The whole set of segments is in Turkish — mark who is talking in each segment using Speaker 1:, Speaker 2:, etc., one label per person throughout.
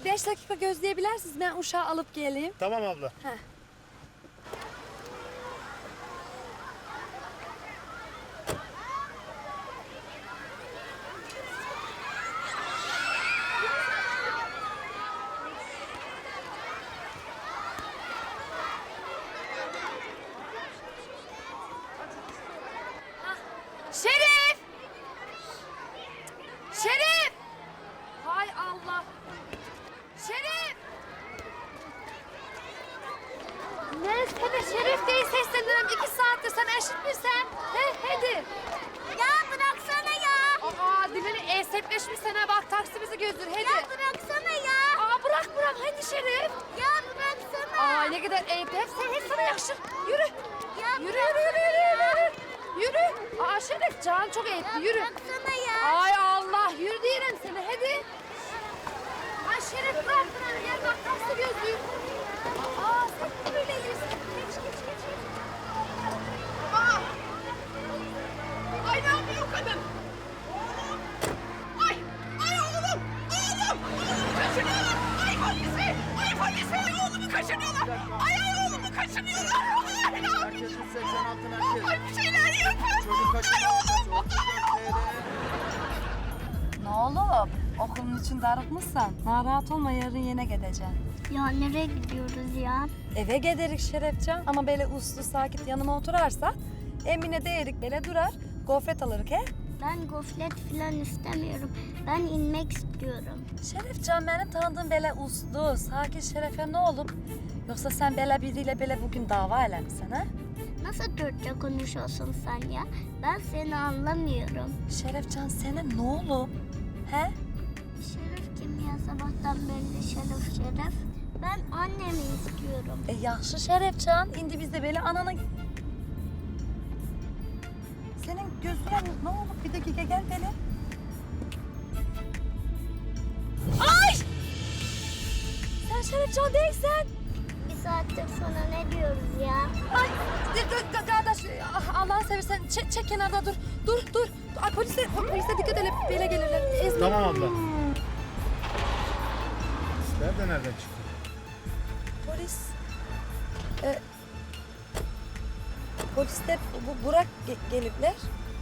Speaker 1: 5 dakika gözleyebilirsiniz. Ben uşağı alıp geleyim.
Speaker 2: Tamam abla.
Speaker 1: Heh. Şerif! Şerif! Hay Allah! Şerif! Ne sana Şerif diye sesleniyorum 2 saattir. Sen eşit misin? Hadi.
Speaker 3: Ya bıraksana ya.
Speaker 1: Aa dilini esnetleşmiş sana bak taksi bizi gözdür hadi.
Speaker 3: Ya bıraksana ya.
Speaker 1: Aa bırak hadi Şerif.
Speaker 3: Ya bıraksana.
Speaker 1: Aa ne kadar ayıp. Hep sana yakışır. Yürü.
Speaker 3: Ya
Speaker 1: Yürü. Yürü. Aa Şerif can çok ayıp.
Speaker 3: Ya
Speaker 1: Yürü.
Speaker 3: bıraksana ya.
Speaker 1: Ay Allah yürü diyelim seni hadi. Ay Şerif bırak bana gel bak taksi gözlüğü. Aa sen böyle yürüsün. Geç.
Speaker 4: Aa! Ay ne yapıyor kadın? Ay oğlum! Oğlumu kaçırıyorlar! Ay polisi! Oğlumu kaçırıyorlar! Ay oğlumu kaçırıyorlar! Ay ne yapayım? Ay bir şeyler yapın! Ay oğlum!
Speaker 1: Ne oğlum? Okulun için darıkmışsan narahat olma yarın yine gideceksin.
Speaker 3: Ya nereye gidiyoruz ya?
Speaker 1: Eve giderik Şerefcan ama böyle uslu sakit yanıma oturarsa Emine değerik böyle durar gofret alırık he?
Speaker 3: Ben gofret falan istemiyorum. Ben inmek istiyorum.
Speaker 1: Şerefcan benim tanıdığım böyle uslu sakin Şerefe ne olup yoksa sen böyle biriyle böyle bugün dava eder misin ha?
Speaker 3: Nasıl Türkçe konuşuyorsun sen ya? Ben seni anlamıyorum.
Speaker 1: Şerefcan senin ne olup he?
Speaker 3: Şerif kim ya sabahtan beri Şerif? Ben annemi istiyorum.
Speaker 1: Yaxşı Şerefcan indi biz de böyle ananı... Senin gözüne ne olup bir dakika gel böyle. Ay! Sen Şerefcan değilsen.
Speaker 3: Bir saattir sana ne diyoruz ya?
Speaker 1: Ay kardeş Allah'ını seversen çek kenarda dur. Ay polise dikkat edin böyle gelirler. Ezme.
Speaker 2: Tamam abla. Sizler de nereden çıktı?
Speaker 1: Polis. Polisler Burak gelipler.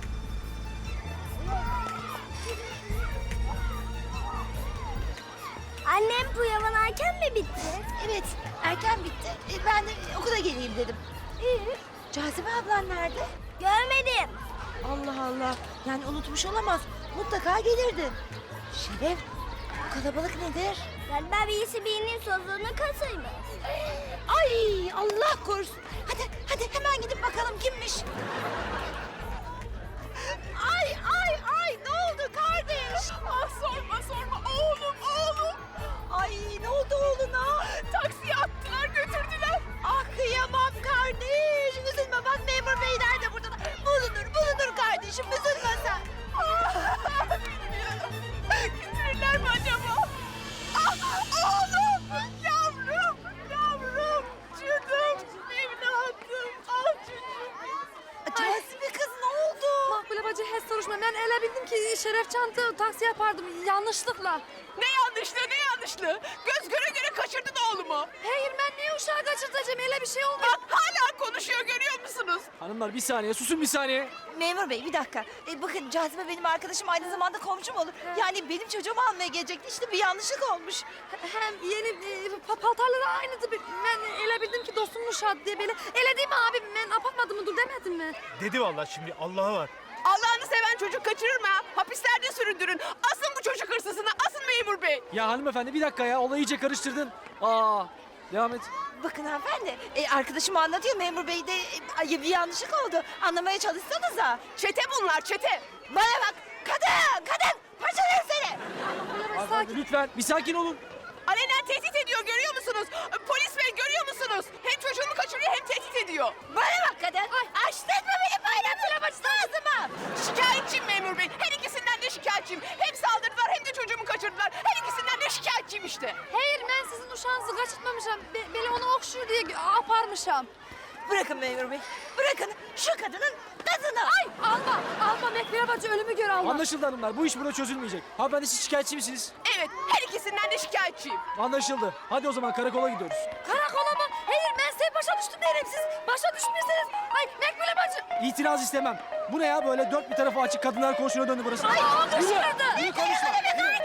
Speaker 3: Annem bu yalan erken mi bitti?
Speaker 5: Evet, erken bitti. Ben de okula geleyim dedim. Cazibe ablan nerede?
Speaker 3: Görmedim.
Speaker 5: Allah Allah. Yani unutmuş olamaz. Mutlaka gelirdi. Şeref, bu kalabalık nedir?
Speaker 3: Galiba birisi birinin sözünü kasaymış.
Speaker 5: Ay Allah korusun. Hadi hemen gidip bakalım kimmiş. Ay ne oldu kardeş?
Speaker 4: Ah sorma oğlum!
Speaker 5: Ay ne oldu oğluna?
Speaker 4: Taksiye attılar götürdüler.
Speaker 5: Ah kıyamam kardeş. Üzülme bak memur beyler de burada. Bulunur kardeşim üzülme sen.
Speaker 4: Bilmiyorum. Götürürler mi acaba? Ah oğlum! Yavrum! Canım! Evladım! Ah çocuğum!
Speaker 5: Cazibe kız ne oldu?
Speaker 1: Makbule bacı hiç soruşma. Ben ele bildim ki Şerefcan taksi yapardım yanlışlıkla.
Speaker 4: Ne yanlışlığı? Göz göre kaçırdın oğlumu.
Speaker 1: Hayır ben niye uşağı kaçırtacağım? Öyle bir şey olmaz.
Speaker 4: Bak hala konuşuyor görüyor musunuz?
Speaker 6: Hanımlar bir saniye susun bir saniye.
Speaker 5: Memur bey bir dakika. Bakın Cazibe benim arkadaşım aynı zamanda komşum olur. Yani benim çocuğumu almaya gelecekti. İşte bir yanlışlık olmuş.
Speaker 1: Hem yeni paltarları aynıydı. Ben ele bildim ki dostumun uşağı diye böyle. Ele değil mi abi? Ben apatmadım mı dur demedim mi?
Speaker 2: Dedi vallahi şimdi Allah'a var.
Speaker 4: Allah'ını seven çocuk kaçırır mı ha? Hapislerde süründürün. Asın bu çocuk hırsızını, asın memur bey.
Speaker 6: Ya hanımefendi bir dakika ya olayı iyice karıştırdın. Devam et.
Speaker 5: Bakın hanımefendi arkadaşım anlatıyor memur bey de bir yanlışlık oldu. Anlamaya çalışsanıza.
Speaker 4: Çete bunlar çete.
Speaker 5: Bana bak kadın parçalarım seni.
Speaker 6: Hanımefendi lütfen bir sakin olun.
Speaker 4: Alenen tehdit ediyor görüyor musunuz? Polis bey görüyor musunuz? Hem çocuğumu kaçırıyor hem tehdit ediyor.
Speaker 5: Bana bak kadın. Açtırma beni bayramına başına ağzıma.
Speaker 4: Şikayetçiyim memur bey. Her ikisinden de şikayetçiyim. Hem saldırdılar hem de çocuğumu kaçırdılar. Her ikisinden de şikayetçiyim işte.
Speaker 1: Hayır ben sizin uşağınızı kaçırtmamışım. Böyle onu okşur diye aparmışım.
Speaker 5: Bırakın memur bey. Bırakın şu kadının kızını.
Speaker 1: Ay alma Mekbere bacı ölümü gör Allah.
Speaker 6: Anlaşıldı hanımlar. Bu iş burada çözülmeyecek. Hanımefendi siz şikayetçi misiniz?
Speaker 4: Evet, her ikisinden de şikayetçiyim.
Speaker 6: Anlaşıldı. Hadi o zaman karakola gidiyoruz.
Speaker 1: Karakola mı? Hayır ben size başa düştüm derim siz. Başa düşmüşsünüz. Ay Mekbere bacı.
Speaker 6: İtiraz istemem. Bu ne ya böyle dört bir tarafı açık kadınlar koğuşuna döndü burası.
Speaker 1: Ay oldu
Speaker 6: Yürü,
Speaker 1: şurada.
Speaker 6: yürü konuşma.
Speaker 5: Be